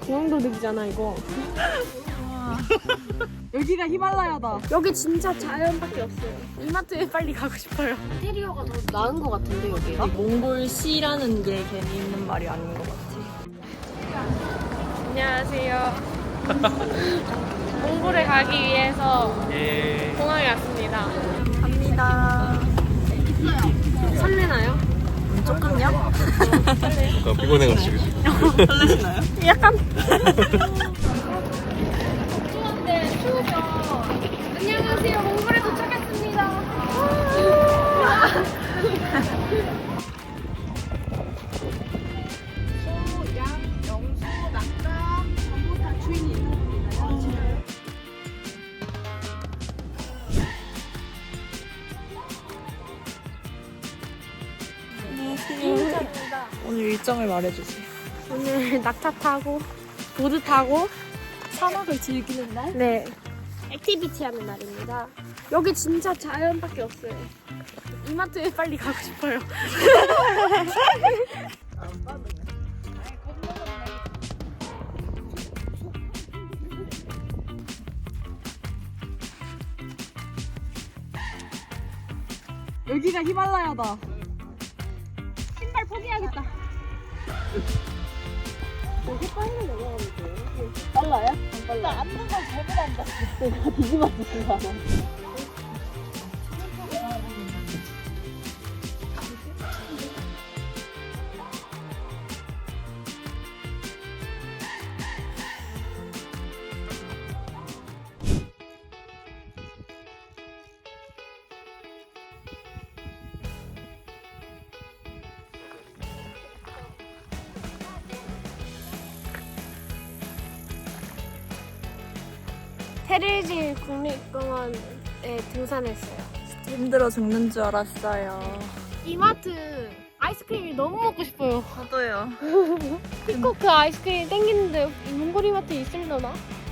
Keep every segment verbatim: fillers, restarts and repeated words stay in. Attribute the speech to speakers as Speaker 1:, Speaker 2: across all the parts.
Speaker 1: 중앙도둑이잖아 이거.
Speaker 2: 여기가 히말라야다.
Speaker 1: 여기 진짜 자연밖에 없어요. 이마트에 빨리 가고 싶어요. 인테리어가 더 나은 것 같은데 여기가?
Speaker 3: 몽골시라는 게 괜히 있는 말이 아닌 것 같아.
Speaker 1: 안녕하세요. 몽골에 가기 위해서
Speaker 4: 예.
Speaker 1: 공항에 왔습니다.
Speaker 3: 갑니다.
Speaker 1: 설레나요?
Speaker 3: 음, 조금요?
Speaker 4: 약간 피곤해가지고 지금.
Speaker 3: 설레시나요?
Speaker 1: 약간. 추운데 추우죠. 안녕하세요. 몽골에 도착했습니다. 소, 양, 영수, 낙타 전부 다 주인이 있는 겁니다. 인정입니다.
Speaker 3: 오늘 일정을 말해주세요.
Speaker 1: 오늘 낙타 타고 보드 타고
Speaker 3: 사막을 즐기는 날?
Speaker 1: 네 액티비티 하는 날입니다. 여기 진짜 자연밖에 없어요. 이마트에 빨리 가고 싶어요.
Speaker 2: 여기가 히말라야다.
Speaker 1: 신발 포기하겠다. 여기 빨리 내려가면 돼요. 빨라요? 안 빨라. 나 앉는 걸 잘못한다. 내가 뒤집어지는 거 테르지 국립공원에 등산했어요.
Speaker 3: 힘들어 죽는 줄 알았어요.
Speaker 1: 이마트 아이스크림이 너무 먹고 싶어요.
Speaker 3: 저도요.
Speaker 1: 피코크 아이스크림 땡기는데 이 몽골 이마트에 있을려나?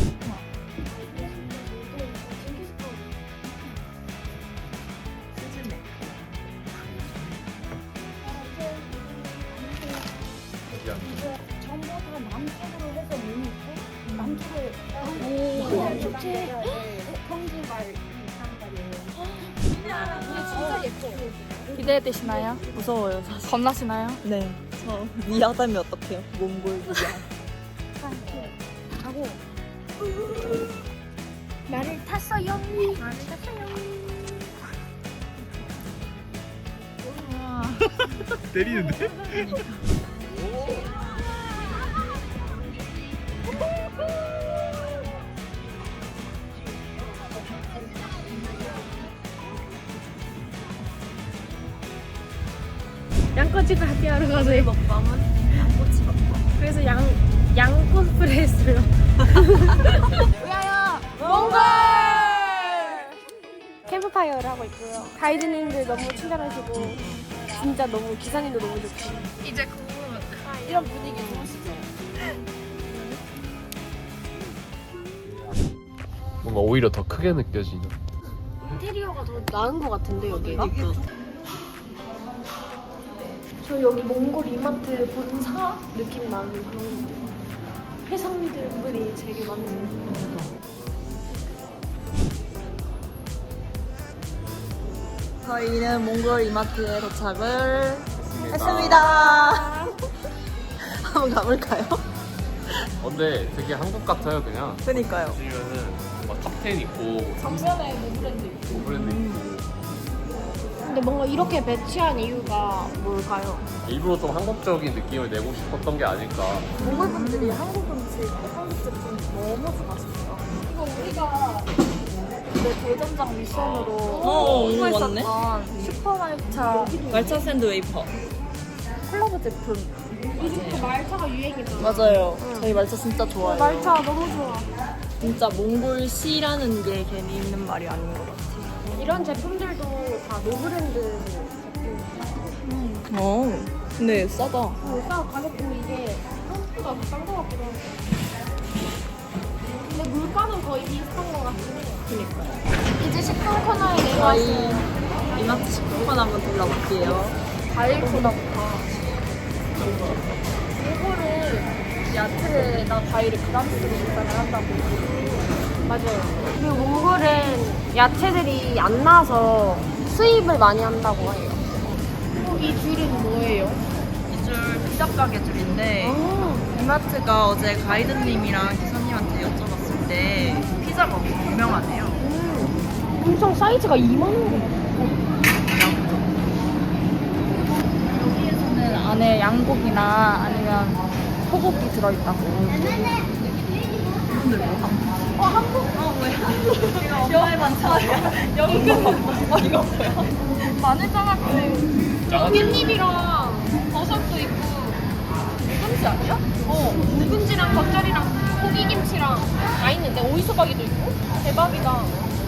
Speaker 1: 전부 다 남쪽으로 해서 문 있고 남쪽에 오 축제 평지발 진짜 예뻐.
Speaker 3: 기대되시나요? 무서워요. 사실. 겁나시나요? 네. 저 미아다면 어떡해요? 몽골 미아.
Speaker 1: 하고 나를 탔어요. 나를 탔어요.
Speaker 4: 때리는데?
Speaker 1: 양꼬치 파티하러 가서
Speaker 3: 먹방은 양꼬치 먹방.
Speaker 1: 그래서 양, 양 코스프레 했어요. 위하여 몽골! 캠프파이어를 하고 있고요. 가이드님들 너무 친절하시고 진짜 너무 기사님도 너무 좋고
Speaker 3: 이제 곧
Speaker 1: 이런 분위기 좋으시죠?
Speaker 4: 뭔가 오히려 더 크게 느껴지는.
Speaker 1: 인테리어가 더 나은 것 같은데 여기가?
Speaker 3: 이게
Speaker 1: 저 여기 몽골 이마트 본사 느낌 나는 그런 해산물들이 되게 많네요.
Speaker 3: 저희는 몽골 이마트에 도착을 했습니다. 한번 가볼까요?
Speaker 4: 근데 되게 한국 같아요 그냥.
Speaker 3: 그니까요.
Speaker 4: 보시면은 막 탑텐 있고
Speaker 1: 정면에 노브랜드 있고.
Speaker 4: 노브랜드 있고
Speaker 1: 근데 뭔가 이렇게 배치한 이유가 뭘까요?
Speaker 4: 일부러 좀 한국적인 느낌을 내고 싶었던 게 아닐까.
Speaker 3: 몽골 분들이 한국 음식, 한국 제품 너무 좋아하시죠.
Speaker 1: 이거 우리가
Speaker 3: 네, 대전장 미션으로
Speaker 2: 오,
Speaker 3: 홍보했었던 슈퍼말차 말차 샌드 웨이퍼 콜라보 제품.
Speaker 1: 요즘 말차가 유행이잖아.
Speaker 3: 맞아요. 저희 말차 진짜 좋아해요.
Speaker 1: 말차 너무 좋아.
Speaker 3: 진짜 몽골시라는 게 괜히 있는 말이 아닌 것 같아요.
Speaker 1: 이런 제품들도 다 노브랜드 제품.
Speaker 3: 어, 근데 싸다.
Speaker 1: 어, 싸 가격도 이게 한국보다 싼것 같기도 하고. 근데 물가는 거의 비슷한 것 같긴 해요.
Speaker 3: 그니까요.
Speaker 1: 이제 식품 코너에
Speaker 3: 저희
Speaker 1: 내려왔어요.
Speaker 3: 이마트 식품권 한번 둘러볼게요.
Speaker 1: 과일 소다부터. 이거를
Speaker 3: 야채나 과일을 그람수로 계산을 한다고.
Speaker 1: 맞아요. 그리고 몽골은 야채들이 안 나서 수입을 많이 한다고 해요. 어, 이 줄은 뭐예요?
Speaker 3: 이줄 피자 가게 줄인데
Speaker 1: 아,
Speaker 3: 이마트가 어제 가이드님이랑 기사님한테 여쭤봤을 때 피자가 엄청 유명하대요.
Speaker 1: 음, 엄청 사이즈가 이만한
Speaker 3: 여기에서는 안에 양고기나 아니면 소고기 들어있다고. 근데 뭐? 어, 한국? 어, 왜 한국? 여행 반찬이야. 연근 어, 이거 뭐야? 마늘 장아찌.
Speaker 1: 깻잎이랑 버섯도 있고
Speaker 3: 김치 아니야?
Speaker 1: 어, 묵은지랑 겉절이랑 고기김치랑 다 있는데 오이소박이도 있고 대박이다.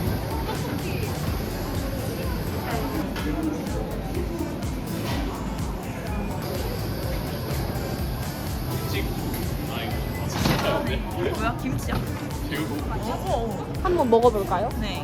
Speaker 3: 뭐야? 김치야?
Speaker 1: 한번 먹어볼까요?
Speaker 3: 네.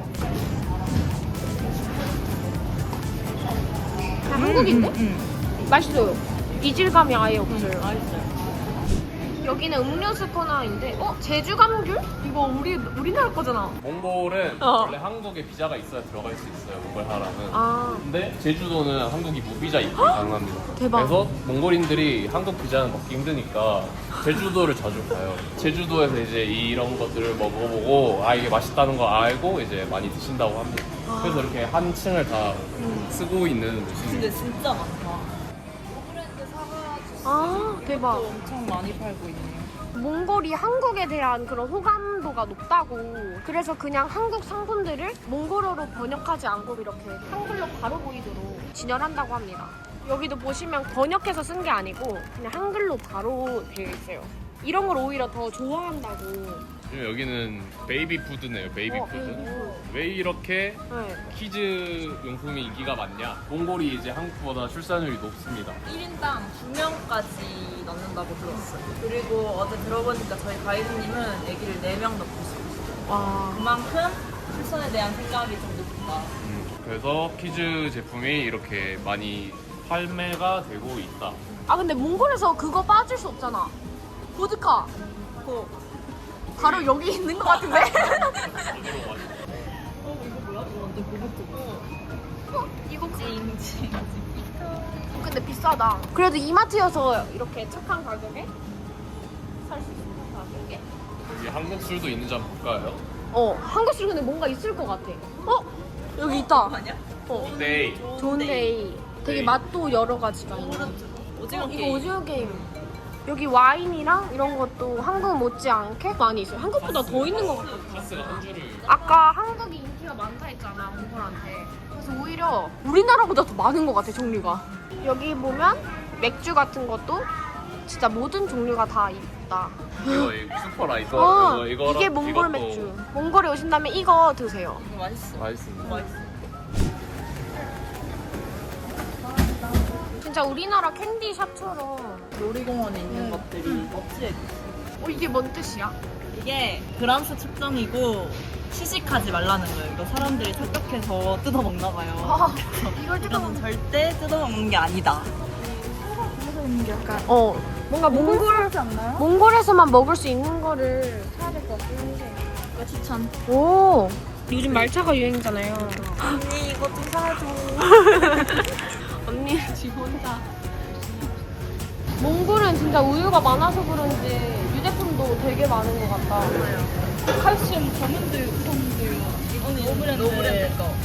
Speaker 1: 다 한국인데?
Speaker 3: 응.
Speaker 1: 맛있어요. 이질감이 아예 없어요.
Speaker 3: 맛있어요.
Speaker 1: 여기는 음료수 코너인데, 어? 제주 감귤? 이거 우리 우리나라 거잖아.
Speaker 4: 몽골은
Speaker 1: 어.
Speaker 4: 원래 한국에 비자가 있어야 들어갈 수 있어요. 몽골 하라는.
Speaker 1: 아,
Speaker 4: 근데 제주도는 한국이 무비자 입국이 가능합니다.
Speaker 1: 대박.
Speaker 4: 그래서 몽골인들이 한국 비자는 먹기 힘드니까 제주도를 자주 가요. 제주도에서 이제 이런 것들을 먹어보고 아 이게 맛있다는 거 알고 이제 많이 드신다고 합니다.
Speaker 1: 아.
Speaker 4: 그래서 이렇게 한 층을 다
Speaker 1: 음.
Speaker 4: 쓰고 있는 곳입니다.
Speaker 3: 근데 진짜 많다. 브랜드 사과
Speaker 1: 아, 대박.
Speaker 3: 엄청 많이 팔고 있네요.
Speaker 1: 몽골이 한국에 대한 그런 호감도가 높다고. 그래서 그냥 한국 상품들을 몽골어로 번역하지 않고 이렇게 한글로 바로 보이도록 진열한다고 합니다. 여기도 보시면 번역해서 쓴 게 아니고 그냥 한글로 바로 되어 있어요. 이런 걸 오히려 더 좋아한다고.
Speaker 4: 여기는 베이비 푸드네요. 베이비
Speaker 1: 어,
Speaker 4: 푸드.
Speaker 1: 음.
Speaker 4: 왜 이렇게
Speaker 1: 네.
Speaker 4: 키즈 용품이 인기가 많냐? 몽골이 이제 한국보다 출산율이 높습니다.
Speaker 3: 일 인당 두 명까지 넣는다고 들었어요. 그리고 어제 들어보니까 저희 가이드님은 아기를 네 명 넣고 싶어요.
Speaker 1: 와.
Speaker 3: 그만큼 출산에 대한 생각이 좀 높다.
Speaker 4: 음, 그래서 키즈 제품이 이렇게 많이 판매가 되고 있다.
Speaker 1: 아 근데 몽골에서 그거 빠질 수 없잖아. 보드카.
Speaker 3: 고.
Speaker 1: 바로 여기 있는 것 같은데?
Speaker 3: 어, 이거 뭐야? 이거 완전 고급지고.
Speaker 1: 어? 이거
Speaker 3: 찡찡.
Speaker 1: 근데 비싸다. 그래도 이마트여서 이렇게 착한 가격에 살 수 있는 가격에.
Speaker 4: 여기 한국 술도 있는지 한번 볼까요?
Speaker 1: 어, 한국 술 근데 뭔가 있을 것 같아. 어? 여기 있다.
Speaker 3: 아니야?
Speaker 1: 어.
Speaker 4: 네.
Speaker 1: 좋은데이. 되게
Speaker 4: 데이.
Speaker 1: 맛도 여러 가지가 있네.
Speaker 3: 오징어
Speaker 1: 어, 이거
Speaker 3: 게임.
Speaker 1: 오징어 게임. 여기 와인이랑 이런 것도 한국 못지않게 많이 있어요. 한국보다 더 있는 것 같아.
Speaker 4: 카스가 한 줄을.
Speaker 1: 아까 한국이 인기가 많다 했잖아, 몽골한테. 그래서 오히려 우리나라보다 더 많은 것 같아, 종류가. 여기 보면 맥주 같은 것도 진짜 모든 종류가 다 있다.
Speaker 4: 이거 이 슈퍼라 이거
Speaker 1: 어,
Speaker 4: 이거 이거랑
Speaker 1: 이게 몽골
Speaker 4: 이것도
Speaker 1: 맥주. 몽골에 오신다면 이거 드세요.
Speaker 3: 이거 맛있어.
Speaker 4: 맛있습니다.
Speaker 3: 맛있어.
Speaker 1: 진짜 우리나라 캔디샵처럼.
Speaker 3: 놀이공원에 있는
Speaker 1: 음.
Speaker 3: 것들이 멋지게
Speaker 1: 어, 이게 뭔 뜻이야?
Speaker 3: 이게 그람수 측정이고 시식하지 말라는 거예요. 이거 사람들이 착각해서 뜯어 먹나 봐요.
Speaker 1: 아, 이걸 뜯어
Speaker 3: 이거는 절대 뜯어 먹는 게 아니다.
Speaker 1: 어, 뭔가 몽골,
Speaker 3: 하지 않나요?
Speaker 1: 몽골에서만 먹을 수 있는 거를 사야 될 것 같긴 한데.
Speaker 3: 이거 추천.
Speaker 1: 오, 요즘 말차가 유행이잖아요.
Speaker 3: 언니 이거 좀 사줘.
Speaker 1: 언니 지금 혼자. 몽골은 진짜 우유가 많아서 그런지 유제품도 되게 많은 것 같다.
Speaker 3: 칼슘 저문들 우선들 이거는 노브랜드. 노브랜드 거.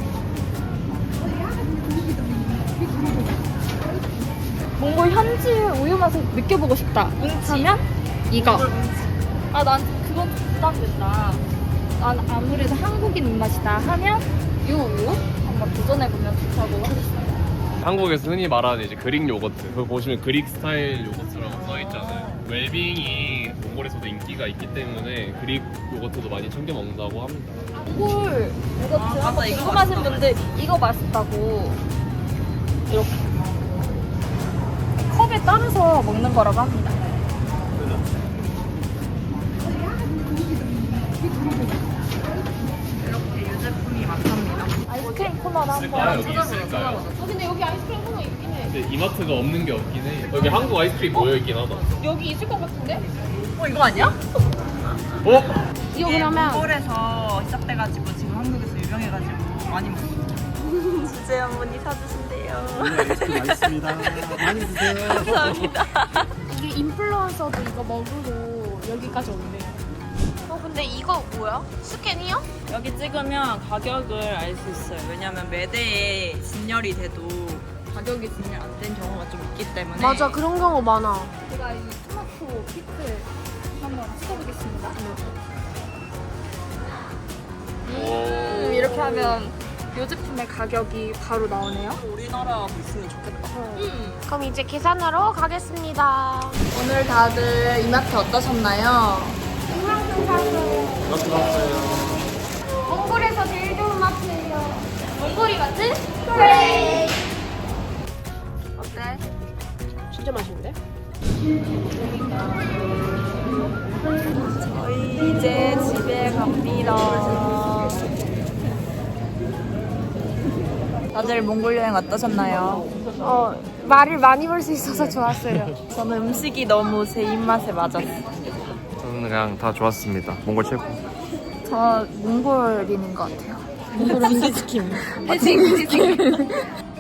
Speaker 1: 몽골 현지 우유 맛을 느껴보고 싶다. 하면 이거.
Speaker 3: 아, 난 그건 좀 부담된다. 난 아무래도 한국인 입맛이다 하면 이 우유 한번 도전해보면 좋다고 하셨어요.
Speaker 4: 한국에서 흔히 말하는 이제 그릭 요거트. 그거 보시면 그릭 스타일 요거트라고 써 있잖아요. 웰빙이 몽골에서도 인기가 있기 때문에 그릭 요거트도 많이 챙겨 먹는다고 합니다.
Speaker 3: 꿀 이거
Speaker 1: 아,
Speaker 3: 한번
Speaker 1: 맞다, 이거
Speaker 3: 궁금하신 분들 이거 맛있다고 이렇게 컵에 따라서 먹는 거라고 합니다. 이렇게 유제품이 많답니다. 아이스크림 코너를
Speaker 4: 있을까요?
Speaker 3: 한번
Speaker 4: 여기 있을까요?
Speaker 1: 어, 근데 여기 아이스크림 코너 있긴 해.
Speaker 4: 근데 이마트가 없는 게 없긴 해. 여기 한국 아이스크림 모여 있긴 하다.
Speaker 1: 여기 있을 것 같은데?
Speaker 2: 어 이거 아니야?
Speaker 4: 어?
Speaker 1: 이거 그러면
Speaker 2: 몽골에서 시작돼가지고 지금 한국에서 유명해가지고 많이 먹어.
Speaker 5: 주제 한 분이 사주신대요.
Speaker 6: 맛있습니다. 많이 드세요.
Speaker 5: 감사합니다.
Speaker 1: 이게 인플루언서도 이거 먹으러 여기까지 온대요. 어 근데 이거 뭐야? 스캔이요?
Speaker 5: 여기 찍으면 가격을 알 수 있어요. 왜냐면 매대에 진열이 돼도 가격이 진열 안 된 경우가 좀 있기 때문에.
Speaker 1: 맞아 그런 경우 많아.
Speaker 3: 제가 이 토마토 피클 한번 찍어보겠습니다. 음, 이렇게 하면 이 제품의 가격이 바로 나오네요.
Speaker 5: 우리나라 있으면 좋겠다.
Speaker 1: 그럼 이제 계산하러 가겠습니다.
Speaker 3: 오늘 다들 이마트 어떠셨나요?
Speaker 1: 이만큼 사세요. 몽골에서 제일 좋은 마트예요. 몽골이 같은? 그래.
Speaker 3: 어때?
Speaker 1: 진짜 맛있는데?
Speaker 5: 저희 이제 집에 갑니다. 다들 몽골 여행 어떠셨나요?
Speaker 1: 어 말을 많이 볼 수 있어서 좋았어요.
Speaker 5: 저는 음식이 너무 제 입맛에 맞았어요.
Speaker 4: 저는 그냥 다 좋았습니다. 몽골 최고.
Speaker 3: 저 몽골인인 것 같아요.
Speaker 5: 몽골 음식 시킴.
Speaker 3: 해징, 해징.